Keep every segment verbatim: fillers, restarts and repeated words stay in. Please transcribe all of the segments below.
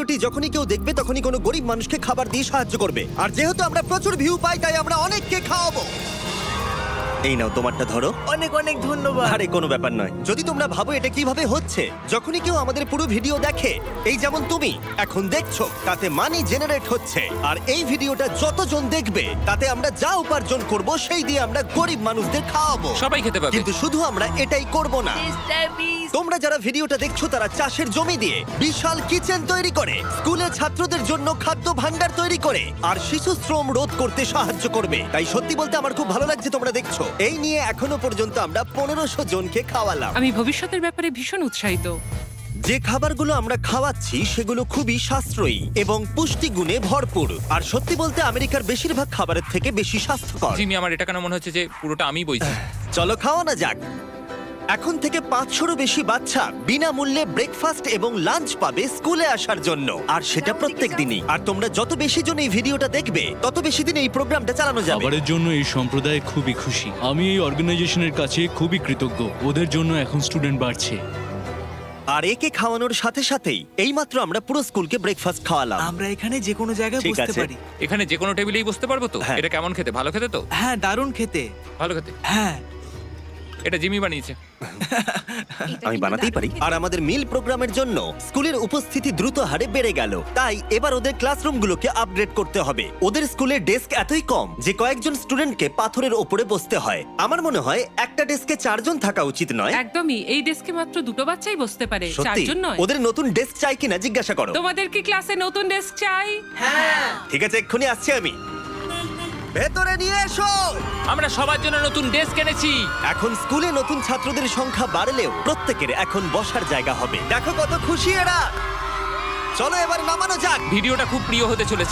ভিডিওটি যখনই কেউ দেখবে তখনই কোনো গরিব মানুষকে খাবার দিয়ে সাহায্য করবে। আর যেহেতু আমরা প্রচুর ভিউ পাই তাই আমরা অনেককে খাওয়াবো। এই নাও তোমারটা ধরো। অনেক অনেক ধন্যবাদ। আরে কোনো ব্যাপার নয়। যদি তোমরা ভাবো এটা কিভাবে হচ্ছে, যখনই কেউ আমাদের পুরো ভিডিও দেখে, এই যেমন তুমি এখন দেখছো, তাতে মানি জেনারেট হচ্ছে। আর এই ভিডিওটা যতজন দেখবে তাতে আমরা যা উপার্জন করব সেই দিয়ে আমরা গরিব মানুষদের খাওয়াবো। সবাই খেতে পাবে। কিন্তু শুধু আমরা এটাই করব না। তোমরা যারা ভিডিওটা দেখছো তারা চাষের জমি দিয়ে বিশাল কিচেন তৈরি করে, স্কুলে ছাত্রদের জন্য খাদ্য ভান্ডার তৈরি করে, আর শিশু শ্রম রোধ করতে সাহায্য করবে। তাই সত্যি বলতে আমার খুব ভালো লাগছে তোমরা দেখছো। এই নিয়ে এখনো পর্যন্ত আমরা পনেরোশো জনকে খাওয়ালাম। আমি ভবিষ্যতের ব্যাপারে ভীষণ উৎসাহিত। যে খাবারগুলো আমরা খাওয়াচ্ছি সেগুলো খুবই সাশ্রয়ী এবং পুষ্টিগুণে ভরপুর। আর সত্যি বলতে আমেরিকার বেশিরভাগ খাবারের থেকে বেশি স্বাস্থ্যকর। জিমি, আমার এটা কেন মনে হচ্ছে যে পুরোটা আমি বইছি। চলো খাওয়ানো যাক। এখন থেকে পাঁচশোরও বেশি বাচ্চা বিনামূল্যে ব্রেকফাস্ট এবং লাঞ্চ পাবে স্কুলে আসার জন্য, আর সেটা প্রত্যেক দিনই। আর তোমরা যত বেশি জন এই ভিডিওটা দেখবে তত বেশি দিন এই প্রোগ্রামটা চালানো যাবে। খাবারের জন্য এই সম্প্রদায় খুবই খুশি। আমি এই অর্গানাইজেশনের কাছে খুবই কৃতজ্ঞ। ওদের জন্য এখন স্টুডেন্ট বাড়ছে। আর একে খাওয়ানোর সাথে সাথেই এইমাত্র আমরা পুরো স্কুলকে ব্রেকফাস্ট খাওয়ালাম। আমরা এখানে যে কোনো জায়গায় ঠিক বসতে আছে। পারি। এখানে যে কোনো টেবিলেই বসতে পারবো তো? হ্যাঁ। এটা কেমন খেতে? ভালো খেতে তো? হ্যাঁ, দারুণ খেতে। ভালো খেতে। হ্যাঁ, এটা জিমি বানিয়েছে। আমি বানাতেই পারি। আর আমাদের মিল প্রোগ্রামের জন্য স্কুলের উপস্থিতি দ্রুত হারে বেড়ে গেল। তাই এবার ওদের ক্লাসরুমগুলোকে আপগ্রেড করতে হবে। ওদের স্কুলের ডেস্ক এতই কম যে কয়েকজন স্টুডেন্টকে পাথরের ওপরে বসতে হয়। আমার মনে হয় একটা ডেস্কে চারজন থাকা উচিত নয়। একদমই, এই ডেস্কে মাত্র দুটো বাচ্চাই বসতে পারে, সত্যি চারজন নয়। ওদের নতুন ডেস্ক চাই কিনা জিজ্ঞাসা করো। তোমাদের কি ক্লাসে নতুন ডেস্ক চাই? ঠিক আছে, এক্ষুনি আসছি আমি। ভেতরে নিয়ে এসো। আমরা সবার জন্য নতুন ডেস্ক এনেছি। এখন স্কুলে নতুন ছাত্রদের সংখ্যা বাড়লেও প্রত্যেকের এখন বসার জায়গা হবে। দেখো কত খুশি এরা। চলো এবার নামানো যাক। ভিডিওটা খুব প্রিয় হতে চলেছে।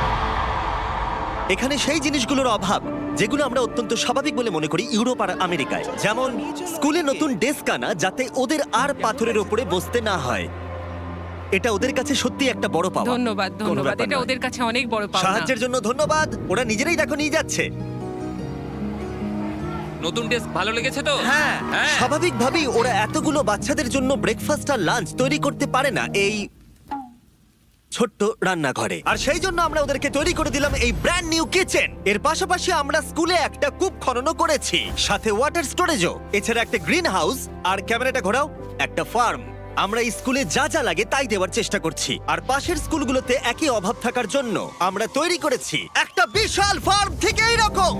এখানে সেই জিনিসগুলোর অভাব যেগুলো আমরা অত্যন্ত স্বাভাবিক বলে মনে করি ইউরোপ আর আমেরিকায়, যেমন স্কুলে নতুন ডেস্ক আনা যাতে ওদের আর পাথরের উপরে বসতে না হয়। এটা ওদের কাছে সত্যি একটা বড় পাওয়া। ধন্যবাদ, কোনো ধন্যবাদ। ব্যাপার এটা নয়। ওদের কাছে অনেক বড় পাওনা। সাহায্যের জন্য ধন্যবাদ। ওরা নিজেরাই দেখো নিয়ে যাচ্ছে। নতুন ডেস্ক ভালো লেগেছে তো? হ্যাঁ। হ্যাঁ। স্বাভাবিকভাবেই ওরা এতগুলো বাচ্চাদের জন্য ব্রেকফাস্ট আর লাঞ্চ তৈরি করতে পারে না এই ছোট্ট রান্নাঘরে। আর সেই জন্য আমরা ওদেরকে তৈরি করে দিলাম এই ব্র্যান্ড নিউ কিচেন। এর পাশাপাশি আমরা স্কুলে একটা কূপ খননও করেছি, সাথে ওয়াটার স্টোরেজও। এছাড়া একটা গ্রিন হাউস, আর ক্যামেরাটা ঘোরাও, একটা ফার্ম। আমরা এই স্কুলে যা যা লাগে তাই দেওয়ার চেষ্টা করছি। আর পাশের স্কুলগুলোতে একই অভাব থাকার জন্য আমরা তৈরি করেছি একটা বিশাল ফার্ম থেকে এইরকম।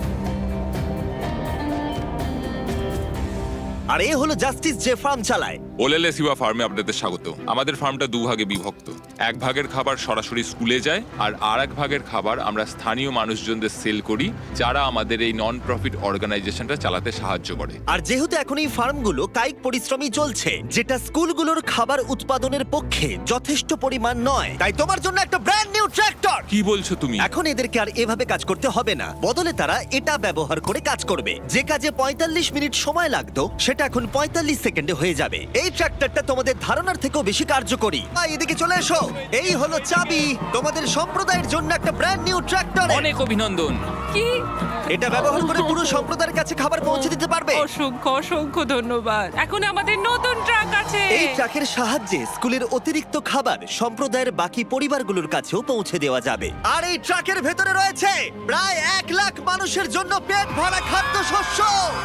আর এ হলো জাস্টিস যে ফার্ম চালায়। ওলেলে সিবা ফার্মে আপনাদের স্বাগত। আমাদের ফার্মটা দুভাগে বিভক্ত। এক ভাগের খাবার সরাসরি স্কুলে যায়, আর আর এক ভাগের খাবার আমরা স্থানীয় মানুষজনদের সেল করি, যারা আমাদের এই নন প্রফিট অর্গানাইজেশনটা চালাতে সাহায্য করে। আর যেহেতু এখন এই ফার্মগুলো কায়িক পরিশ্রমই চলছে, যেটা স্কুলগুলোর খাবার উৎপাদনের পক্ষে যথেষ্ট পরিমাণ নয়, তাই তোমার জন্য একটা ব্র্যান্ড নিউ ট্র্যাক্টর। কি বলছো তুমি? এখন এদেরকে আর এভাবে কাজ করতে হবে না, বদলে তারা এটা ব্যবহার করে কাজ করবে। যে কাজে পঁয়তাল্লিশ মিনিট সময় লাগতো সেটা এখন পঁয়তাল্লিশ সেকেন্ডে হয়ে যাবে। এই ট্র্যাক্টরটা তোমাদের ধারণার থেকেও বেশি কার্যকরী। আয়, এদিকে চলে এসো। এই হলো চাবি তোমাদের সম্প্রদায়ের জন্য একটা ব্র্যান্ড নিউ ট্র্যাক্টর। অনেক অভিনন্দন। কি? এটা ব্যবহার করে পুরো সম্প্রদায়ের কাছে খাবার পৌঁছে দিতে পারবে। অসংখ্য অসংখ্য ধন্যবাদ। এখন আমাদের নতুন ট্রাক আছে। এই ট্রাকের সাহায্যে স্কুলের অতিরিক্ত খাবার সম্প্রদায়ের বাকি পরিবারগুলোর কাছেও পৌঁছে দেওয়া যাবে। আর এই ট্রাকের ভেতরে রয়েছে প্রায় এক লাখ মানুষের জন্য পেট ভরা খাদ্যশস্য।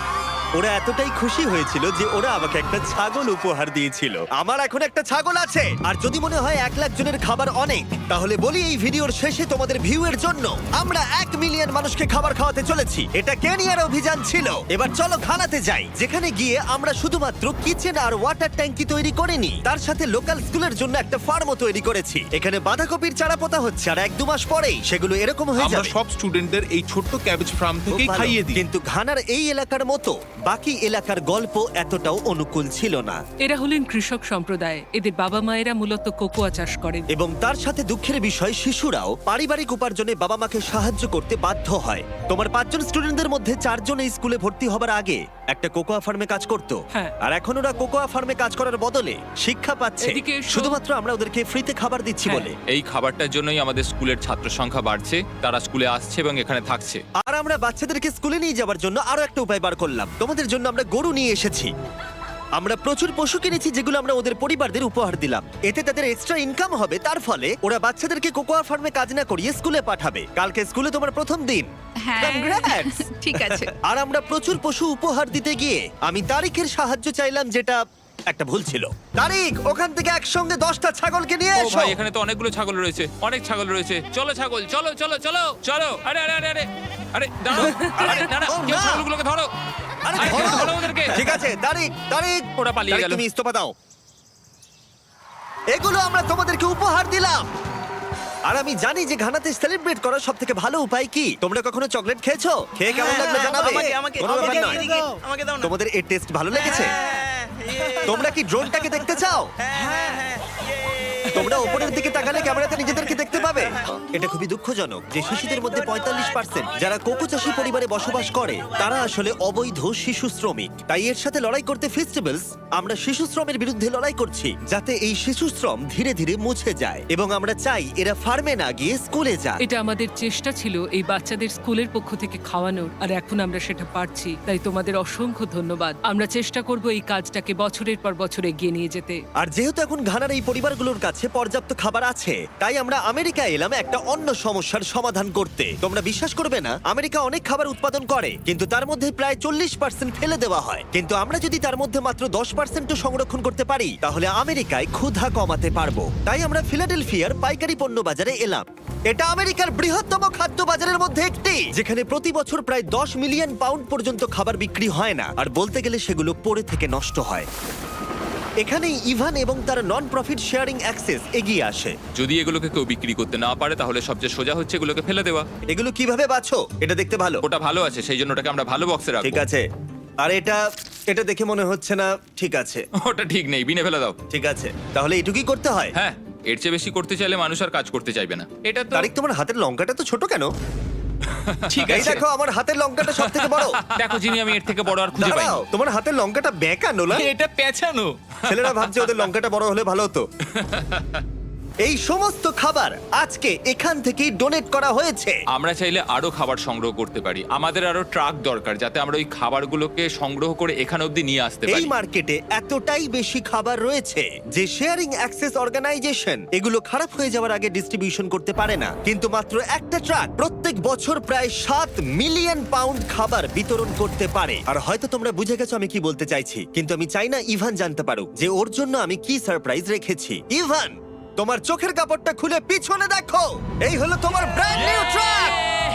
ওরা এতটাই খুশি হয়েছিল যে ওরা আমাকে একটা ছাগল উপহার দিয়েছিল। আমার এখন একটা ছাগল আছে। আর যদি মনে হয় এক লাখ জনের খাবার অনেক, তাহলে বলি এই ভিডিওর শেষে তোমাদের ভিউ এর জন্য আমরা এক মিলিয়ন মানুষকে খাবার খাওয়াতে চলেছি। এটা কেনিয়ার অভিযান ছিল। এবার চলো ঘানাতে যাই, যেখানে গিয়ে আমরা শুধুমাত্র কিচেন আর ওয়াটার ট্যাঙ্কি তৈরি করিনি, তার সাথে লোকাল স্কুলের জন্য একটা ফার্মও তৈরি করেছি। এখানে বাঁধাকপির চারা পোতা হচ্ছে, আর এক দু মাস পরেই সেগুলো এরকম হয়ে আমরা যাবে। সব স্টুডেন্টদের এই ছোট্ট ক্যাবেজ ফার্ম খুব থেকেই ভালো। খাইয়ে দিই। কিন্তু ঘানার এই এলাকার মতো বাকি এলাকার গল্প এতটাও অনুকূল ছিল না। এরা হলেন কৃষক সম্প্রদায়। এদের বাবা মায়েরা মূলত কোকোয়া চাষ করেন। এবং তার সাথে দুঃখের বিষয়, শিশুরাও পারিবারিক উপার্জনে বাবা মাকে সাহায্য করতে বাধ্য হয়। তোমার পাঁচজন স্টুডেন্টদের মধ্যে চারজন এই স্কুলে ভর্তি হবার আগে একটা কোকোয়া ফার্মে কাজ করত। হ্যাঁ। আর এখন ওরা কোকোয়া ফার্মে কাজ করার বদলে শিক্ষা পাচ্ছে, এদিকে এসো। শুধুমাত্র আমরা ওদেরকে ফ্রিতে খাবার দিচ্ছি হ্যাঁ। বলে। এই খাবারটার জন্যই আমাদের স্কুলের ছাত্র সংখ্যা বাড়ছে, তারা স্কুলে আসছে এবং এখানে থাকছে। আর আমরা বাচ্চাদেরকে স্কুলে নিয়ে যাওয়ার জন্য আরো একটা উপায় বার করলাম। তোমাদের জন্য আমরা গরু নিয়ে এসেছি। আমরা প্রচুর পশু কিনেছি যেগুলো আমরা ওদের পরিবারদের উপহার দিলাম। এতে তাদের এক্সট্রা ইনকাম হবে, তার ফলে ওরা বাচ্চাদেরকে কোকোয়া ফার্মে কাজ না করিয়ে স্কুলে পাঠাবে। কালকে স্কুলে তোমার প্রথম দিন। হ্যাঁ Congrats! ঠিক আছে। আর আমরা প্রচুর পশু উপহার দিতে গিয়ে আমি তারিখের সাহায্য চাইলাম, যেটা একটা ভুল ছিল। তারিখ, ওখান থেকে একসঙ্গে দশটা ছাগলকে নিয়ে ও এসো। ভাই, এখানে তো অনেকগুলো ছাগল রয়েছে, অনেক ছাগল রয়েছে। চলো ছাগল, চলো চলো চলো চলো। আরে আরে আরে আরে আরে দাঁড়াও, আরে না না, ও, কেউ না। ছাগলগুলোকে ধরো। আরে আরে, ধরো। ধরো ওদেরকে। ঠিক আছে, তারিখ, তারিখ, ওরা পালিয়ে তারিখ, গেল। তুমি ইস্তফা দাও। এগুলো আমরা তোমাদেরকে উপহার দিলাম। আর আমি জানি যে ঘানাতে সেলিব্রেট করার সব থেকে ভালো উপায় কি। তোমরা কখনো চকলেট খেয়েছো? খেয়ে কেমন লাগলো জানাবে। আমাকে আমাকে কোনো ব্যাপার আমাকে নয়। এদিকে, আমাকে দাও না। তোমাদের এর টেস্ট ভালো লেগেছে? হ্যাঁ, ইয়ে। তোমরা কি ড্রোনটাকে দেখতে চাও? হ্যাঁ, হ্যাঁ, ইয়ে। তোমরা উপরের দিকে তাকালে ক্যামেরাতে নিজেদেরকে দেখতে পাবে। এটা খুবই দুঃখজনক যে শিশুদের মধ্যে পঁয়তাল্লিশ পার্সেন্ট যারা কোকো চাষী পরিবারে বসবাস করে তারা আসলে অবৈধ শিশু শ্রমিক। তাই এর সাথে লড়াই করতে ফেস্টিভ্যালস আমরা শিশু শ্রমের বিরুদ্ধে লড়াই করছি, যাতে এই শিশু শ্রম ধীরে ধীরে মুছে যায়। এবং আমরা চাই এরা ফার্মে না গিয়ে স্কুলে যায়। এটা আমাদের চেষ্টা ছিল এই বাচ্চাদের স্কুলের পক্ষ থেকে খাওয়ানোর, আর এখন আমরা সেটা পারছি। তাই তোমাদের অসংখ্য ধন্যবাদ। আমরা চেষ্টা করব এই কাজটাকে বছরের পর বছর এগিয়ে নিয়ে যেতে। আর যেহেতু এখন ঘানার এই পরিবারগুলোর কাছে পর্যাপ্ত খাবার আছে, তাই আমরা আমেরিকা এলাম একটা অন্য সমস্যার সমাধান করতে। তোমরা বিশ্বাস করবে না, আমেরিকা অনেক খাবার উৎপাদন করে, কিন্তু তার মধ্যে প্রায় চল্লিশ পার্সেন্ট ফেলে দেওয়া হয়। কিন্তু আমরা যদি তার মধ্যে মাত্র দশ পার্সেন্ট সংরক্ষণ করতে পারি, তাহলে আমেরিকায় ক্ষুধা কমাতে পারবো। তাই আমরা ফিলাডেলফিয়ার পাইকারি পণ্য বাজারে এলাম। এটা আমেরিকার বৃহত্তম খাদ্য বাজারের মধ্যে একটি, যেখানে প্রতি বছর প্রায় দশ মিলিয়ন পাউন্ড পর্যন্ত খাবার বিক্রি হয় না, আর বলতে গেলে সেগুলো পড়ে থেকে নষ্ট হয়। এখানেই ইভান এবং তার নন প্রফিট শেয়ারিং অ্যাক্সেস এগিয়ে আসে। যদি এগুলোকে কেউ বিক্রি করতে না পারে, তাহলে সবচেয়ে সোজা হচ্ছে এগুলোকে ফেলে দেওয়া। এগুলো কিভাবে বাছো? এটা দেখতে ভালো। ওটা ভালো আছে, সেই জন্য ওটাকে আমরা ভালো বক্সে রাখবো। ঠিক আছে। আর এটা এটা দেখে মনে হচ্ছে না ঠিক আছে। ওটা ঠিক নেই, বিনে ফেলে দাও। ঠিক আছে, তাহলে এটুকুই করতে হয়। হ্যাঁ, এর চেয়ে বেশি করতে চাইলে মানুষ আর কাজ করতে চাইবে না। এটা তো তারিক, তোমার হাতের লঙ্কাটা তো ছোট কেন? ঠিক এই আছে। দেখো, আমার হাতের লঙ্কাটা সব থেকে বড়। দেখো যিনি, আমি এর থেকে বড় আর খুঁজে পাই। দাঁড়াও, তোমার হাতের লঙ্কাটা বেঁকা নোলা। এটা পেছানো। ছেলেরা ভাবছে ওদের লঙ্কাটা বড় হলে ভালো হতো। এই সমস্ত খাবার আজকে এখান থেকেই ডোনেট করা হয়েছে। আমরা চাইলে আরো খাবার সংগ্রহ করতে পারি। আমাদের আরো ট্রাক দরকার, যাতে আমরা ওই খাবারগুলোকে সংগ্রহ করে এখানে অবধি নিয়ে আসতে এই পারি। মার্কেটে এতটাই বেশি খাবার রয়েছে যে শেয়ারিং অ্যাক্সেস অর্গানাইজেশন এগুলো খারাপ হয়ে যাওয়ার আগে ডিস্ট্রিবিউশন করতে পারে না। কিন্তু মাত্র একটা ট্রাক প্রত্যেক বছর প্রায় সাত মিলিয়ন পাউন্ড খাবার বিতরণ করতে পারে। আর হয়তো তোমরা বুঝে গেছো আমি কি বলতে চাইছি, কিন্তু আমি চাই না ইভান জানতে পারুক যে ওর জন্য আমি কি সারপ্রাইজ রেখেছি। ইভান, তোমার চোখের কাপড়টা খুলে পিছনে দেখো। এই হলো তোমার ব্র্যান্ড নিউ ট্রাক।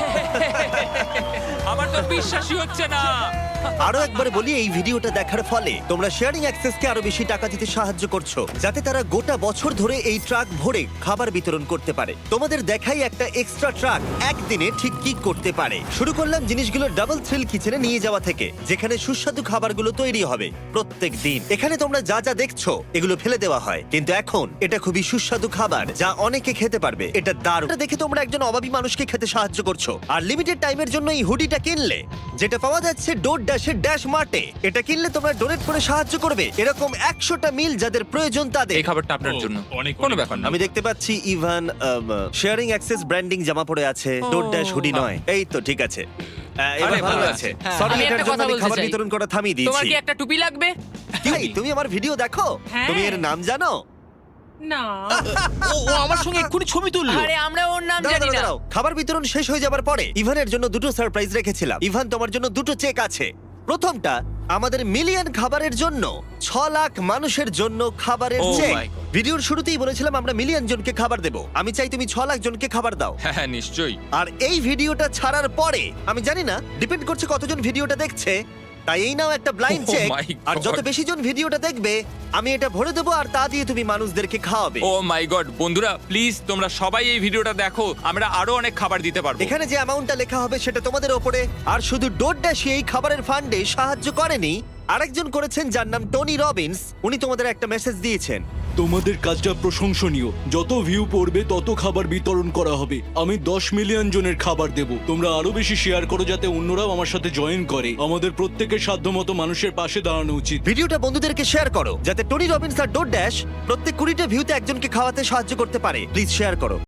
আমার তো বিশ্বাসই হচ্ছে না। আরো একবার বলি, এই ভিডিওটা দেখার ফলে তোমরা শেয়ারিং অ্যাক্সেসকে আরো বেশি টাকা দিতে সাহায্য করছো, যাতে তারা গোটা বছর ধরে এই ট্রাক ভরে খাবার বিতরণ করতে পারে। তোমাদের দেখাই একটা এক্সট্রা ট্রাক একদিনে ঠিক কি করতে পারে। শুরু করলাম জিনিসগুলো ডাবল থ্রিল কিচেনে নিয়ে যাওয়া থেকে, যেখানে সুস্বাদু খাবারগুলো তৈরি হবে প্রত্যেক দিন। এখানে তোমরা যা যা দেখছো এগুলো ফেলে দেওয়া হয়, কিন্তু এখন এটা খুবই সুস্বাদু খাবার যা অনেকে খেতে পারবে। এটা দারুণ। এটা দেখে তোমরা একজন অভাবী মানুষকে খেতে সাহায্য করছো। আর লিমিটেড টাইমের জন্য এই হুডিটা কিনলে, যেটা পাওয়া যাচ্ছে ডোর ড্যাশের ড্যাশ মার্টে, এটা কিনলে তোমরা ডোনেট করে সাহায্য করবে এরকম একশোটা মিল যাদের প্রয়োজন তাদের। এই খাবারটা আপনার জন্য। অনেক কোনো ব্যাপার না। আমি দেখতে পাচ্ছি ইভান শেয়ারিং অ্যাক্সেস ব্র্যান্ডিং জামা পরে আছে, ডোর ড্যাশ হুডি নয়। এই তো ঠিক আছে। আহ, এবার আরে, ভালো ভালো আছে। আছে। সরি, আমি এটার একটা জন্য কথা আমি বলতে খাবার চাই। বিতরণ করা থামিয়ে তোমার দিয়েছি। কি একটা টুপি লাগবে? এই, তুমি আমার ভিডিও দেখো? হ্যাঁ। তুমি এর নাম জানো? না, ও ও আমার সঙ্গে এক্ষুনি ছবি তুললো। আরে আমরা ওর নাম দাঁড়াও, জানি দাঁড়াও, না। দাঁড়াও। খাবার বিতরণ শেষ হয়ে যাবার পরে ইভানের জন্য দুটো সারপ্রাইজ রেখেছিলাম। ইভান, তোমার জন্য দুটো চেক আছে। প্রথমটা আমাদের মিলিয়ন খাবারের জন্য, ছ লাখ মানুষের জন্য খাবারের Oh চেক। my God. ভিডিওর শুরুতেই বলেছিলাম আমরা মিলিয়ন জনকে খাবার দেব। আমি চাই তুমি ছ লাখ জনকে খাবার দাও। হ্যাঁ হ্যাঁ, নিশ্চয়ই। আর এই ভিডিওটা ছাড়ার পরে, আমি জানি না, ডিপেন্ড করছে কতজন ভিডিওটা দেখছে, তাই এই নাও একটা blind Oh check. my God. আর যত বেশি জন ভিডিওটা দেখবে আমি এটা ভরে দেবো, আর তা দিয়ে তুমি মানুষদেরকে খাওয়াবে। ও মাই গড, বন্ধুরা প্লিজ তোমরা সবাই এই ভিডিওটা দেখো, আমরা আরো অনেক খাবার দিতে পারবো। এখানে যে অ্যামাউন্টটা লেখা হবে সেটা তোমাদের ওপরে। আর শুধু ডোর ড্যাশই এই খাবারের ফান্ডে সাহায্য করেনি, আরেকজন করেছেন যার নাম টনি রবিন্স। উনি তোমাদের একটা মেসেজ দিয়েছেন। তোমাদের কাজটা প্রশংসনীয়। যত ভিউ পড়বে তত খাবার বিতরণ করা হবে। আমি দশ মিলিয়ন জনের খাবার দেব। তোমরা আরো বেশি শেয়ার করো যাতে অন্যরাও আমার সাথে জয়েন করে। আমাদের প্রত্যেকের সাধ্যমতো মানুষের পাশে দাঁড়ানো উচিত। ভিডিওটা বন্ধুদেরকে শেয়ার করো যাতে টনি রবিন্স আর ডোর ড্যাশ প্রত্যেক কুড়িটা ভিউতে একজনকে খাওয়াতে সাহায্য করতে পারে। প্লিজ শেয়ার করো।